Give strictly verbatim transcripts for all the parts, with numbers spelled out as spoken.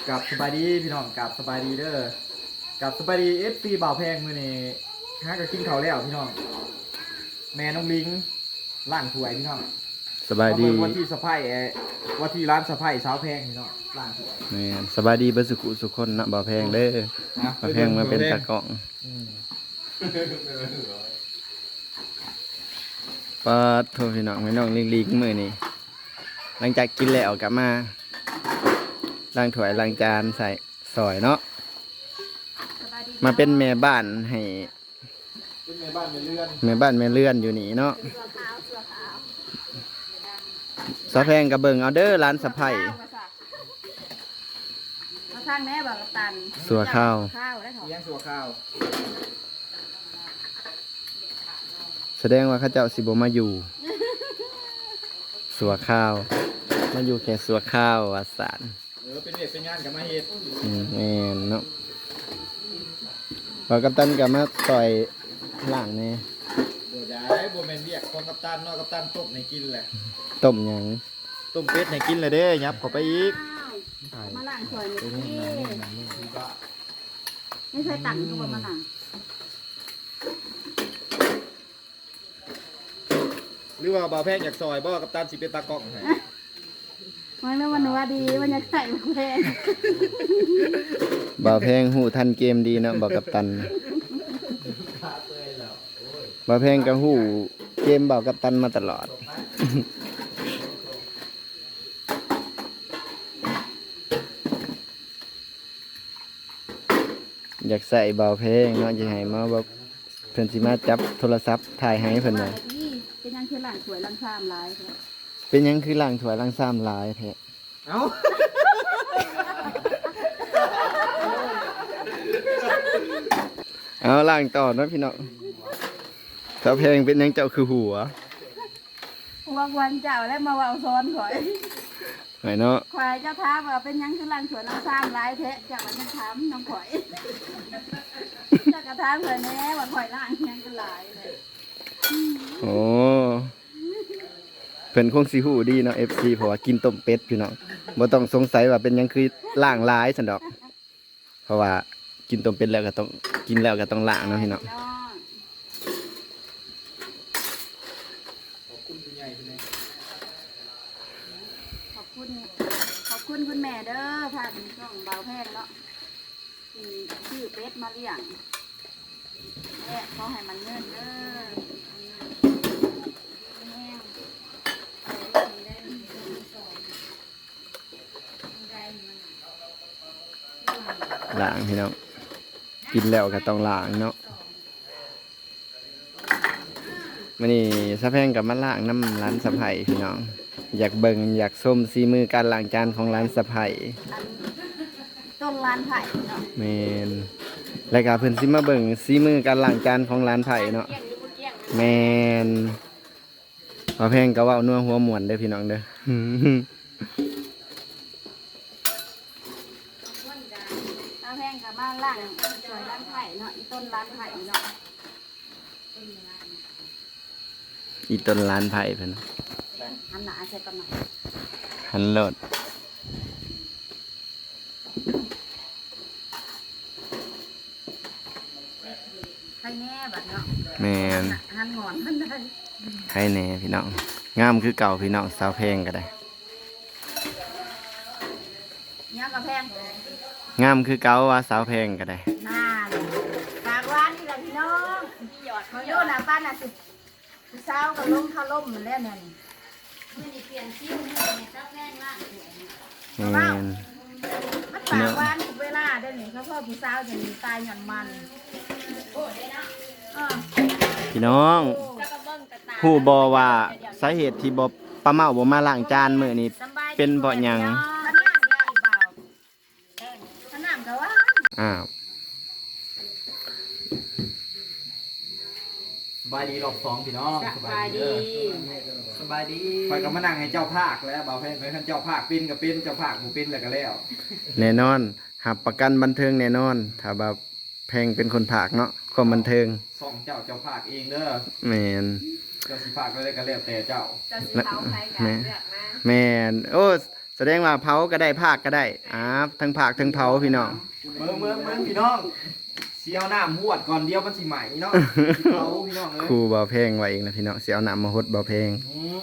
กับสบายดีพี่น้องกับสบายดีเด้อกับสบายดีเอฟซีบ่าวแพงมื้อนี้ฮะก็กินข้าวแล้วพี่น้องแม่น้องลิงล้างถ้วยพี่น้องสบายดีวันที่สะพายวันที่ร้านสะพายสาวแพงพี่น้องล้างถ้วยแม่นสบายดีเบิดสุขุสุคนนะบ่าวแพงเด้อบ่าวแพงมาเป็นตากล้องปาดโทพี่น้องพี่น้องลิงๆมื้อนี้หลังจากกินแล้วกลับมาล้างถ้วยล้างจานใส่ซอยเนาะมาเป็นแม่บ้านให้เป็นแม่บ้านแม่เรือนแม่บ้านแม่เรือนอยู่นี่เนาะสาวแพงกับเบิ่งเอาเด้อร้านสะไพมาข้างแม่บอกกับตันสัวข้าวข้าวได้ถอดเลี้ยงสัวข้าวแสดงว่าข้าเจ้าสิบ่มาอยู่สัวข้าวมาอยู่แค่สัวข้าวอาสารเออเป็นเด็กเป็นงานกับมาเฮ็ดอืมแม่นเนาะพอกัปตันกับมาต่อยหลังนี่บ่ได้บ่แม่นเรียกของกัปตันเนาะกัปตันต้มให้กินแหละต้มหยังต้มเป็ดให้กินเลยเด้ยับเข้าไปอีกมาล้างถ้วยนี่ไม่เคยตักตัวมาล้างหรือว่าบ่าวแพงอยากซอยบ่กัปตันสิเป็นตากล้องให้มันนึกว่าหนูว่าดีมันอยากใส่มาแพงบ่าวแพงหูทันเกมดีเนาะบ่กัปตันบ่าวแพงก็หูเกมบ่าวกัปตันมาตลอดอยากใส่บ่าวแพงเนาะจะให้มาแบบเพิ่นสิมาจับโทรศัพท์ถ่ายให้เพิ่นน่ะเป็นยังคือล้างถ้วยล้างชามหลายเป็นยังคือล้างถ้วยล้างชามหลายแท้เอ้าเอาล้างต่อเนาะพี่น้องสาวแพงเป็นยังเจ้าคือหัววันวันเจ้าแล้วมาว่าซ้อนข่อยไหนเนาะข่อยเจ้าท้าว่าเป็นยังคือล้างถ้วยล้างชามหลายแท้เจ้ามันยังถามน้องข่อยเจ้ากระทำเลยแน่ว่าข่อยล้างยังก็หลายเลยโอ้เพิ่นคงสิฮู้ดีเนาะ เอฟ ซี เพราะว่ากินต้มเป็ดพี่น้องบ่ต้องสงสัยว่าเป็นหยังคือล้างหลายซั่นดอกเพราะว่ากินต้มเป็ดแล้วก็ต้องกินแล้วก็ต้องล้างเนาะพี่น้องขอบคุณคุณใหญ่คุณแม่ขอบคุณขอบคุณคุณแม่เด้อพาเป็นช่องเบาแพงเนาะชื่อเป็ดมาเลี้ยงแม่เขาให้มันเงินเด้อล้างพี่น้องกินแล้วก็ต้องล้างเนาะมื้อนี้สะแพงกับมาล้างน้ำร้านสะไพพี่น้องอยากเบิ่งอยากส้มซีมือการล้างจานของร้านสะไพต้นร้านไผ่เนาะแม่นแล้วก็เพิ่นสิมาเบิ่งซีมือการล้างจานของร้านไผ่เนาะแม่นสะแพงก็เว้านัวหัวม่วนเด้อพี่น้องเด้อแพงกับบ้านล่างสวยร้านไผ่เนาะอีต้นร้านไผ่เนาะอีต้นร้านไผ่เพิ่นหันหน้าใส่กันหน่อยหันโลดใครแน่แบบเนาะแม่นหันงอนหันได้ใครแน่พี่น้องงามคือเก่าพี่น้องสาวแพงก็ได้เนี่ยกับแพงงามคือเก่าว่าสาวแพงก็ได้น่าเลยฝากร้านนี่แหละพี่น้องหยอดเขาโยนหน้าบ้านน่ะสิเช้ากับล้มข้าวล้มมันแล้วเนี่ยนี่เปลี่ยนชิ้นให้ในเจ้าแพงล่างแม่นมันฝากร้านทุกเวลาได้หนิเขาพ่อผู้สาวจะมีตายหย่อนมันโอ้ได้นะพี่น้องผู้บอว่าสาเหตุที่บอปลาเมาบ่มาล้างจานมื้อนี้เป็นเพราะหยังอ้าวสบายดีรอบสองพี่น้องสบายดีสบายดีคอยก็มานั่งให้เจ้าภาคแล้วบ่าวแพงให้เจ้าภาคเป็นก็เป็นเจ้าภาคบ่เป็นแล้วก็แล้วแน่นอนหับประกันบันเทิงแน่นอนถ้าแบบแพงเป็นคนภาคเนาะความบันเทิงส่องเจ้าเจ้าภาคเองเด้อแม่นเจ้าสิภาคก็ได้ก็แล้วแต่เจ้าเจ้าสิเฮาใครกันเลือกมาแม่นโอ้สแสดงว่าเผาก็ได้ภาคก็ได้อ่าทั้งภาคทั้งเผาพี่น้องเมืองเมืองเมืองพี่น้องเสียวน้ำหวดก่อนเดียวมันสิใหม่เนาะเขาพี่น้องเอ้ยครูเบาเพลงไว้เองนะพี่น้องเสียเอาน้ำมาฮดเบาเพลงอืม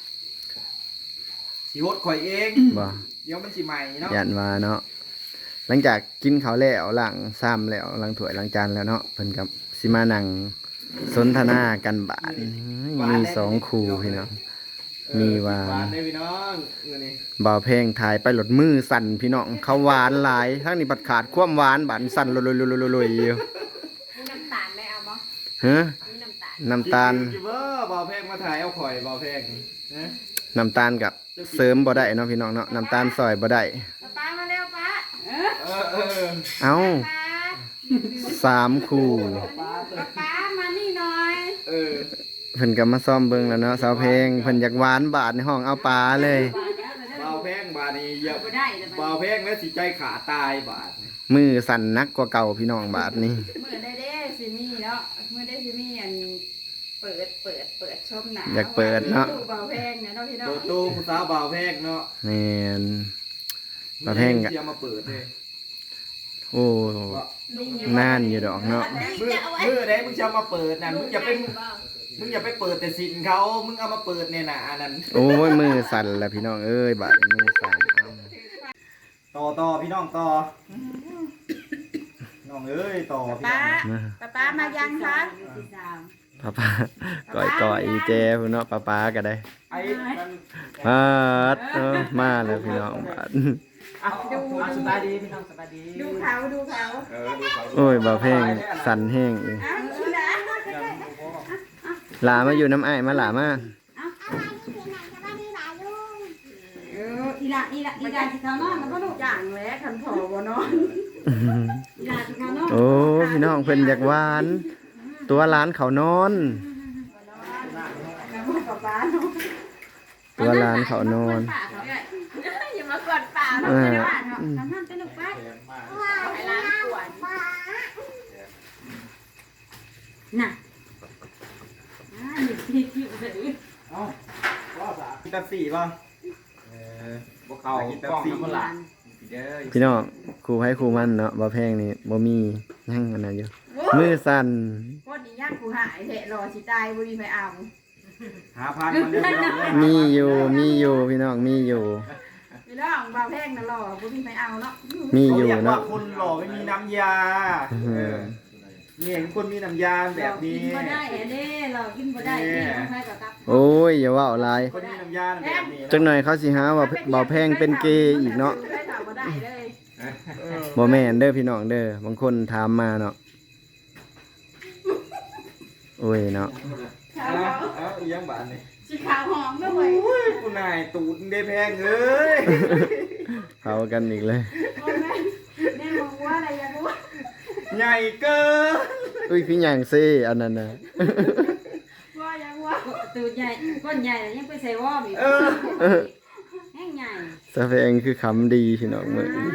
สิหดข่อยเองบ่เดี๋ยวมันสิใหม่เนาะยันว่าเนาะหลังจากกินข้าวแล้วล้างซ้ำแล้วล้างถ้วยล้างจานแล้วเนาะเพิ่นกับสิมานั่งสนทนากันบาดมีสองครูพี่น้องมีหวาหวานนได้พี่น้องเออนี่เบาเพลงถ่ายไปหลดมือสั่นพี่น้องเขาหวานหลายทั้งนี้บัดขาดความหวานบาดสั่นลอยๆๆๆๆอยู่มีน้ำตาลไหมเอาบ่ฮะมีน้ำตาลน้ำตาลกินเบอร์บอเพลงมาถ่ายเอาข่อยบอเพลงนะน้ำตาลกับเสริมบ่ได้เนาะพี่น้องเนาะน้ำตาลซอยบ่ได้ป้ามาเร็วป้าเออเออเออเอ้าป้าสามคู่ป้าป้ามานี่หน่อยเออเพิ่นก็มาซ่อมเบิ่งแล้วเนาะสาวเพลงเพิ่นอยากหวานบาดในห้องเอาปลาเลยบอเพลงบาดนี้อย่าบ่ได้แต่บอเพลงแล้วสิใจขาตายบาดนี่มือสั่นนักกว่าเก่าพี่น้องบาดนี้เมื่อได้เด้สิมีเนาะเมื่อได้สิมีอันเปิดเปิดเปิดชมหนังอยากเปิดเนาะตู้เบาแพงนะเนาะพี่น้อโตงโตผู้สาวบอเพลงเนาะแม่น บอเพลงกะเสียมาเปิดเลยโอ้นานอยู่ดอกเนาะมือมือไหนมึงจะเอามาเปิดน่ะมึงอย่าไปมึงอย่าไปเปิดแต่สินเขามึงเอามาเปิดเนี่ยน่ะอันนั้นโอ้ยมือสั่นแล้วพี่น้องเอ้ยบาดนี้มือสั่นเอ้าต่อต่อพี่น้องต่อน้องเอ้ยต่อพี่ป้าน้องป้าป้ามายังคะป้าป้าก่อยก่อยอีเจพุ่นเนาะป้าป้าก็ได้ไอ้มันปาดเออมาแล้วพี่น้องบาดอ่ะดูสบายดีพี่น้องสบายดีดูเขาดูเขาเออดูเขาโอ้ยบ่เพลงสั่นแห้งอีกอ้าวดูนะหลามาอยู่น้ำอ้ายมาหลามาเอออีละอีละอีละที่เขานอนมันก็ดูจ่างแล้วคันพอบ่นอนอีละที่เขานอนโอ้พี่น้องเพิ่นอยากหวาน ตัวร้านเขานอนแล้วมันกับป้าเนาะตัวร้านเขานอนอย่ามากดป่าเราไม่ได้ว่าเนาะทำนั่นเป็นลูกไปไปร้านกวนน่ะอ่าหยิบหยิบหยิบเลยเอ้าว่าสากินแป๊บซี่ป่ะเออบ่เข้ากินแป๊บซี่เด้อพี่น้องครูให้ครูมันเนาะบ่แพงนี่บ่มียังอันนั้นอยู่มือสั่นคนนี้ย่างกูหายเถะรอสิตายบุรีไปเอาหาพันมาเรื่อยๆมีอยู่มีอยู่พี่น้องมีอยู่พี่น้องเบาแพงนะรอบุรีไปเอาเนาะมีอยู่เขารีกว่าเนาะคนหล่อไม่มีน้ำยาเออนี่เห็นคนมีน้ำยาแบบนี้กินบ่ได้เด้เรากินบ่ได้เด้ต้องให้กับกับโอ้ยอย่าว่าหลายคนมีน้ำยาแบบนี้จักหน่อยเขาสิหาว่าบ่แพงเป็นเกย์อีกเนาะได้ถามบ่ได้เลยบ่แม่นเด้อพี่น้องเด้อบางคนถามมาเนาะโอ้ยเนาะขาวเอาเอาอีหยังบาดนี่สีขาวหอมด้วยโอ้ยกูนายตูดได้แพงเอ้ยเผากันอีกเลยโอ้แม่แม่มองว่าอะไรอยากรู้ใหญ่เกินอุ้ยพี่หยังซี่อันนั้นน่ะว่าอยากว่าตูดใหญ่ก้นใหญ่แล้วยังไปใส่วอมอีกเออแห้งใหญ่สะเพงคือคำดีพี่น้องมื้อนี้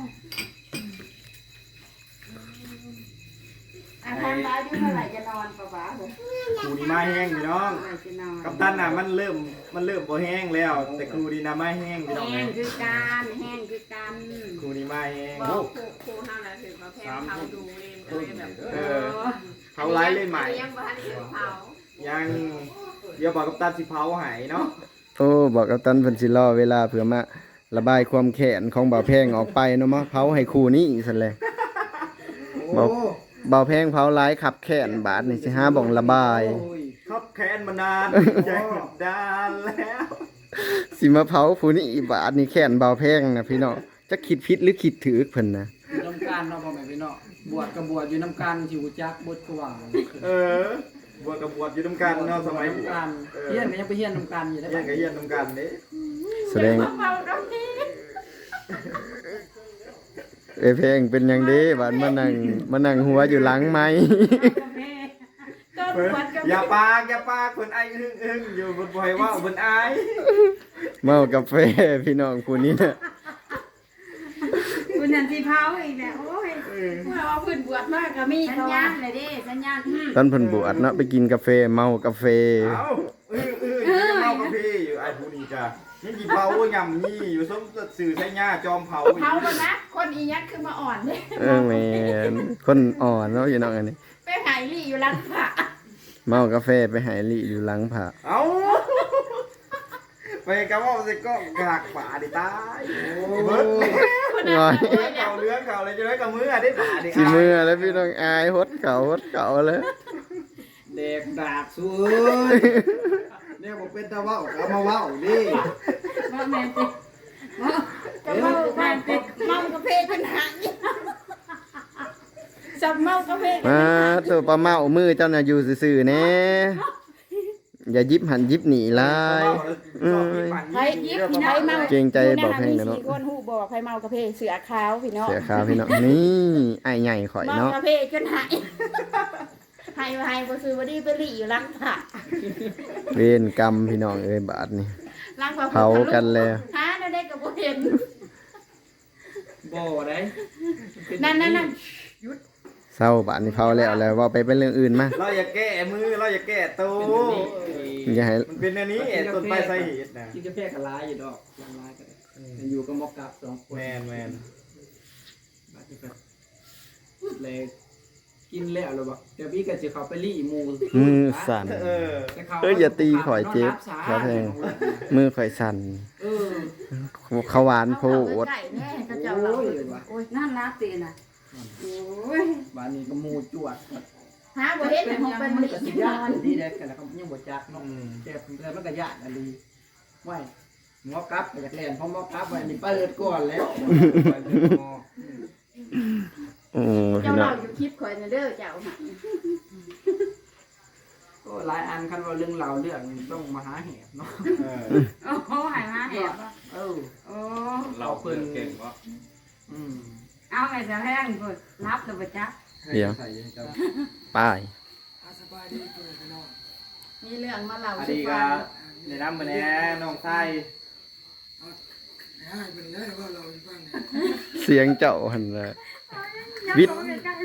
อ่ะทำร้ายด้วยเมื่อไหร่จะนอนป่าวป่าผมกูนี่มาแห้งพี่น้องเมื่อไหร่จะนอนกัปตันน่ะมันเริ่มมันเริ่มบ่แห้งแล้ว แต่ครูดีนะมาแห้งพี่น้องแห้เอ้งยคือการแห้งคือการครูนี่มาแห้งบอกครูครูห้ามแล้วถึงมาแพงเขาดูเองก็เลยแบบเออเขาไล่เล่นใหม่ยังบ้านถึงเขายังเดี๋ยวบอกกัปตันสิเผาใหายเนาะโอ้บอกกับตันเพิ่นสิรอเวลาเพื่อมาระบายความแค้นของบ่าวแพงออกไปเนาะมาเผาให้คู่นี้ซั่นแหละโอ้บ่าวแพงเผาหลายขับแค้นบาดนี่สิหาบ่องระบายครับแค้นมานานใจดานแล้วสิมาเผาผู้นี้บาดนี่แค้นบ่าวแพงนะพี่น้องจะคิดผิดหรือคิดถูกเพิ่นนะอยู่น้ำกันเนาะพ่อแม่พี่น้องบวชกับบวชอยู่น้ำกันที่หูจักบวชกว่างเออบวชกับบวชอยู่น้ำกันเนาะสมัยบวชกันเฮียนก็ยังไปเฮียนน้ำกันอยู่ได้เยี่ยนกับเยี่ยนน้ำกันเด้แสดงเมาตรงนี้เอยเพลงเป็นหยังเด้บาดมานั่งมานั่งหัวอยู่หลังไม้ก็เพิ่นปวดกับอย่าปากอย่าปากเพิ่นไอ้อึ้งอึ้งอยู่บนบ่อยว่าเพิ่นอายเมากาแฟพี่น้องผู้นี้น่ะคุณนันทีเผาอีกแล้วโอ้ยเมื่อว่าพื้นบวชมากก็มีสัญเขาญาว่าณเลยดิสัญญาณตอนเพิ่นบวชเนาะไปกินกาแฟเมากาแฟเอ้าอึ้งอึ้งอยู่ยังเมากาแฟอยู่ไอ้ผู้นี้จ้ะนี่กี่เผาย่ำนี่อยู่ส้มสื่อใช้หญ้าจอมเผาเผาแล้วนะคนอียักคือมาอ่อนเลยเออแม่นคนอ่อนเนาะอยู่น้องอันนี้ไปหายลี่อยู่หลังผาเมากาแฟไปหายลี่อยู่หลังผักเอ้าไปกระว่าสิก็กากป่าดิตายเบิร์ดงอยเก่าเลื้องเก่าอะไรจะได้กับมือได้ป่าดิสิมือแล้วพี่น้องอายฮดเก่าฮดเก่าเลยเด็กดากสู้เอ้ยเนี่ยบอกเป็นตาเว้าเอามาเว้าดิว่าแม่ติว่าจะเมากาแฟเมากาแฟจนหายจับเมากาแฟมาตัวปลาเมามือเจ้าน่ะอยู่ซื่อๆแน่อย่ายิบหันยิบหนีลายเอ้ยไผยิบไผเมาเกรงใจบอกเพลงนะเนาะมีสี่คนฮู้บอกไผเมากาแฟเสือขาวพี่น้องเสียขาวพี่น้องนี่ไอ้ใหญ่ข่อยเมาเนาะกาแฟจนหายหายหายบ่ซื้อบ่ดีไปหลีอยู่หลังผาเวรกรรมพี่น้องเอ้ยบาดนี่หลังผาเผากันแล้วหาได้ได้ก็บ่เห็นบ่ได้นั่นนั่นนั่นเศร้าบาดนี่เผาแล้วแล้วว่าไปเป็นเรื่องอื่นมาเราอย่าแก้มือเราอย่าแก้ตัวอย่าให้มันเป็นอันนี้ต้นไปใส่เหตุนะกินกาแฟกับลายอยู่ดอกลายก็ได้อยู่กับมอกกับสองคนแมนแมนบัดนี้ก็เลยกินแล้วแล้วบ่เดี๋ยวพี่ก็สิเข้าไปรีหมูมือสั่นเออแต่ขเอ้ยอย่าตีข่อยเจ็บขอแทง มือข่อยสั่นเออเขาหวานโพดไก่แน่ก็จะโอ้เรายว่ะโอ้ยนั่นนะตีน่ะโอ้ยบ้านนี้ก็หมูจวดหาบ่เห็นแต่ของเป็นหลีก็สินยาอนดีแดกกันแล้วก็ยังบ่จักเนาะแก่แล้วมันก็ยากอันดีไว้หมอกับก็อยากเล่นเพราะหมอกับไว้นี่เปิดก่อนแล้วโอ้เจ้าพี่น้อเรางอยู่คลิปข่อยน่ะเด้อเจ้าหาก็หลายอันคันว่าเรื่องราวเรื่องต้องมาหาเหตุเนาะเออโอ้โหหายมาแหบเออโอ้เราเพิ่นเก่งวะอืมเอาไงจะแห้งเพิ่นรับตัวประจักษ์เดี๋ยวป้ายมีเรื่องมาเล่าอันสู่นี้ฟัก็งในน้ำมันแน่น้องไส้เสียงเจ้าหันน่ะวิทย์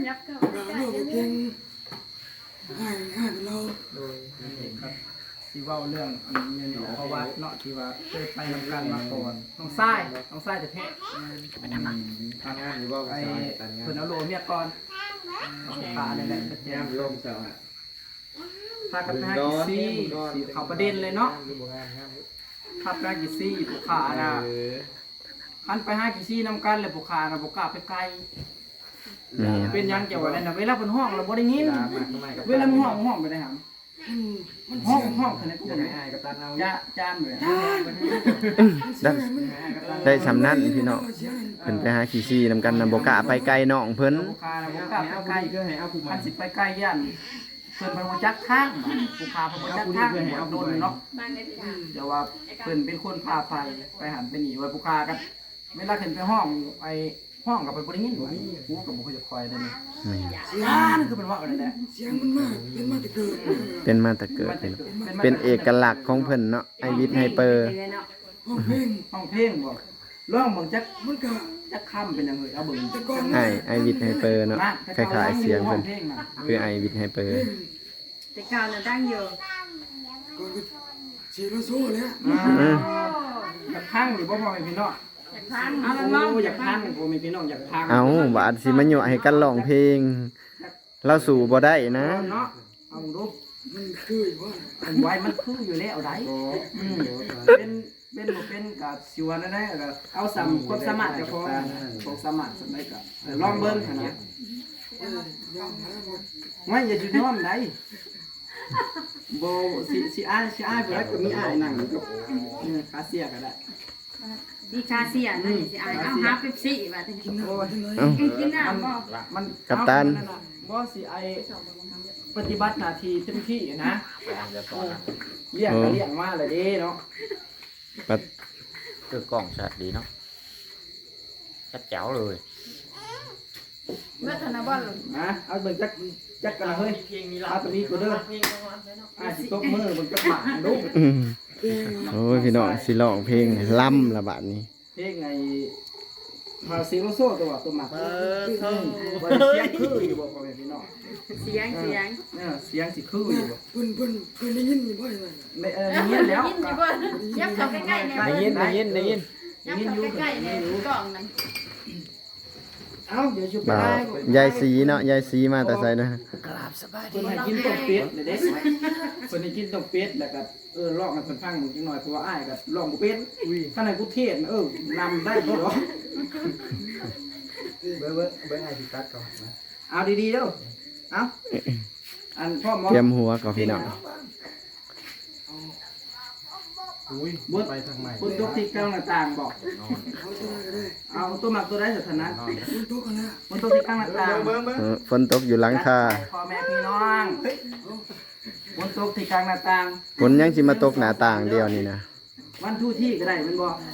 โดยครับที่เว้าเรื่องอันนี้เนาะเพราะว่าเนาะที่ว่าเคยไปนำกันมาก่อนน้องทรายน้องทรายจะแท้ทำงานอยู่บ่ไอ้ภาษาเพิ่นเอาโลเมียก่อนน้องตาเนี่ยแหละจะแจ้งาง นอยู่บ่ภาษาพากันไปหากิซี่สิเข้าประเด็นเลยเนาะถ้าไปหากิซี่ผู้ขาน่ะคันไปหากิซี่นำกันแล้วผู้ขาน่ะบ่กล้าไปไกลแม่เป็นหยังจะว่านั่นน่ะเวลาเพิ่นห้องเราบ่ได้ยินเวลามึงห้องมึงห้องไปได้หำห้องห้องขนาดกูบ่ได้ให้กับตันเอาจ้าจานเลยได้ได้สำนั้นพี่น้องเพิ่นไปหาขี้ซี่นำกันนำบ่กล้าไปไกลน้องเพิ่นผู้ขาน่ะบ่กล้าไปไกลคือให้เอาผู้คันสิไปไกลย่านเพิ่นบ่จักทางผู้ขาเพิ่นบ่จักทางเอาโดนเนาะบ้านได้ที่ทางเดี๋ยวว่าเพิ่นเป็นคนพาไปไปหันไปหนีไว้ผู้ขากันเวลาขึ้นไปห้องไปห้องกับไปบ่ได้ยินบ่กูก็บ่ค่อยจะคอยได้นี่แม่อ่านั่นคือเป็นว่าอะไรแหละเป็นมาแต่เกิดพี่น้องเป็นเอกลักษณ์ของเพิ่นเนาะไอวิทย์ไฮเปอร์ห้องเพลงบ่ร้องเบิ่งจักมันก็จักคำเป็นหยังเอ้ยเอาเบิ่งไอไอวิทย์ไฮเปอร์เนาะคล้ายๆเสียงเพิ่นคือไอวิทย์ไฮเปอร์แต่เก่าน่ะตั้งอยู่อ่าอยากพังหรือบ่พ่อแม่พี่น้องทางเอาละน้องอยากพังพ่อแม่พี่น้องอยากพังเอาบาดสิมายั่วให้กันร้องเพลง เราสู่บ่ได้นะเนาะเอาดูมันคือว่ามันไว้มันคืออยู่แล้วได้อืมเป็นเป็นบ่เป็นกับสิว่านั่นแหละก็เอาสามความสามารถเจ้าของความสามารถสำได้ก็ลองเบิ่งหั่นนะไม่อย่าจุดน้อมได้บ่สิสิอ้ายสิอ้ายเพิ่นก็มีอ้ายนั่งอยู่อืมคาเสียก็ได้ดีคาเซียนั่นสิอายเอาหาเป๊ปซี่ว่าแต่กินโอ้ยเอ้ากินน้ำบ่มันกัปตันบ่สิไอปฏิบัติหน้าที่เต็มที่นะเลี้ยงก็เลี้ยงมาเลยเด้เนาะปัดคือกล้องชัดดีเนาะชัดแจ๋วเลยเมื่อธนบอลนะเอาเบิ่งจักจักกันละเฮ้ยเอาตัวนี้กูเด้ออ่าสิตบมือเบิ่งจักหมาดูอืมโอ้ยพี่น้องสิร้องเพลงล่ำละบาดนี้เพลงไงมาเสียงโลโซ่ตัวตัวหมักเออเท่าว่าเสียงคืออยู่บ่พ่อแม่พี่น้องเสียงเสียงเออเสียงสิคืออยู่บ่เพิ่นเพิ่นเพิ่นได้ยินอยู่บ่อยเลยไม่เออได้ยินแล้วยินอยู่บ่ยับเข้าใกล้ๆเนี่ยได้ยินได้ยินได้ยินยับเข้าใกล้ๆเนี่ยกล่องนั่นเอ้าเดี๋ยวชุบไปบ่าวได้ยายสีเนาะยายสีมาแต่ไสนะเพิ่นให้กินต้มเป็ดเลยเด้เพิ่นให้กินต้มเป็ดแล้วก็เออลองให้เพิ่นฟังจังหน่อยเพราะว่าอ้ายก็ลองบ่เป็นอุ้ยข้างในกูเทศเออนำได้บ่หรอเบิ้งเบิ้งเบิ้งไอ้ที่ตัดก่อนนะเอาดีๆเด้อเอาอันพ่อหมอเตรียมหัวก่อนพี่น้องอุ้ยบุดไปทางใหม่บุดยกที่กลางหน้าต่างบอกเอาตัวนั้นก็ได้เอาตัวหมักตัวได้สถานะคุณโตกันนะบนตัวที่กลางหน้าต่างเบิ้งเบิ้งเออฝนตกอยู่หลังคาพ่อแม่พี่น้องบนตัวที่กลางหน้าต่างฝนยังสิมาตกหน้าต่างเดียวนี่นะวันทู่ที่ก็ได้มันบอก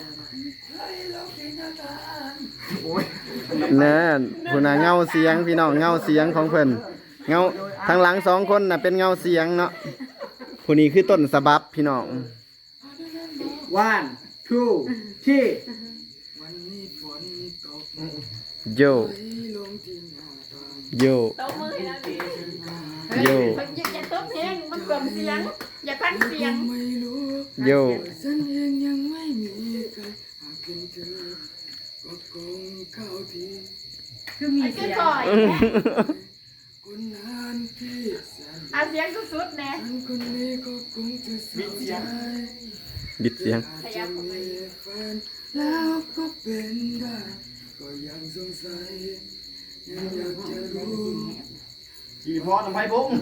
โอ้ยนั่นผู้น่ะเงาเสียงพี่น้องเงาเสียงของเพิ่นเงาทางหลังสองคนน่ะเป็นเงาเสียงเนาะผู้นี้คือต้นสะบับพี่น้องวันทู่ที่วันนี้ฝนตกโยไหลลงที่หน้าต่างโยตบมือให้เราดิโยอย่าอย่าตบแฮงมันเบิ่มเสียง อย่าพันเสียงไม่รู้โยฉันเองยังไม่มีใครหากเป็นเธอก็คงเข้าทีคือมีไอ้คืเสีอยงถอยคนนั้นที่แสนเอาเสียงสุดๆแน่ฉันคนนี้ก็คงจะเสียใจบิดเสียงอาจจะมีแฟนแล้วก็เป็นได้ ก็ยังสงสัยยังอยากจะรู้จีพอทำไมพง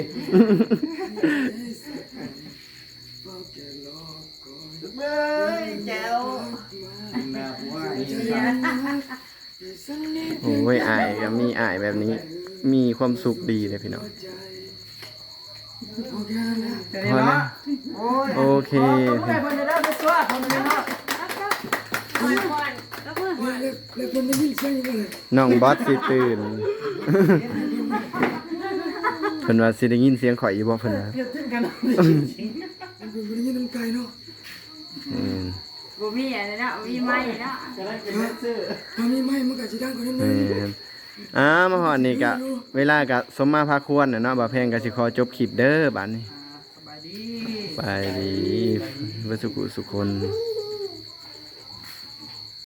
เฝ้าแค่รอคอยเบ้ยแก้วนะผัวไอ้ใจนี่มันรักแต่สักนิดโอ้ยอายก็มีอายแบบนี้ มีความสุขดีเลยพี่น้องใจโอเคนะเดี๋ยวนี้เนาะโอ้ยโอเคต้องให้เพิ่นจะได้ไปซัวคนนี้เนาะก่อนก่อนแล้วแล้วคนได้ยินเสียงยังไงน้องบอสสิตื่น เพิ่นว่าสิได้ยินเสียงข่อยอยู่บ่เพิ่นว่าเดี๋ยวถึงกันมันเป็นคนได้ยินน้ำไก่เนาะอืมบ่มีอะไรเนาะมีไม้เนาะจะได้เป็นแดนเซอร์ถ้ามีไม้มันก็จะดังกว่านั้นแมเลย่นอ่ามาฮอดนี่ก็เวลาก็สมมาพาควรน่ะเนาะบ่าวแพงก็สิขอจบคลิปเด้อบัดนี้สบายดีไปดีเบ่สุขุสุคนเ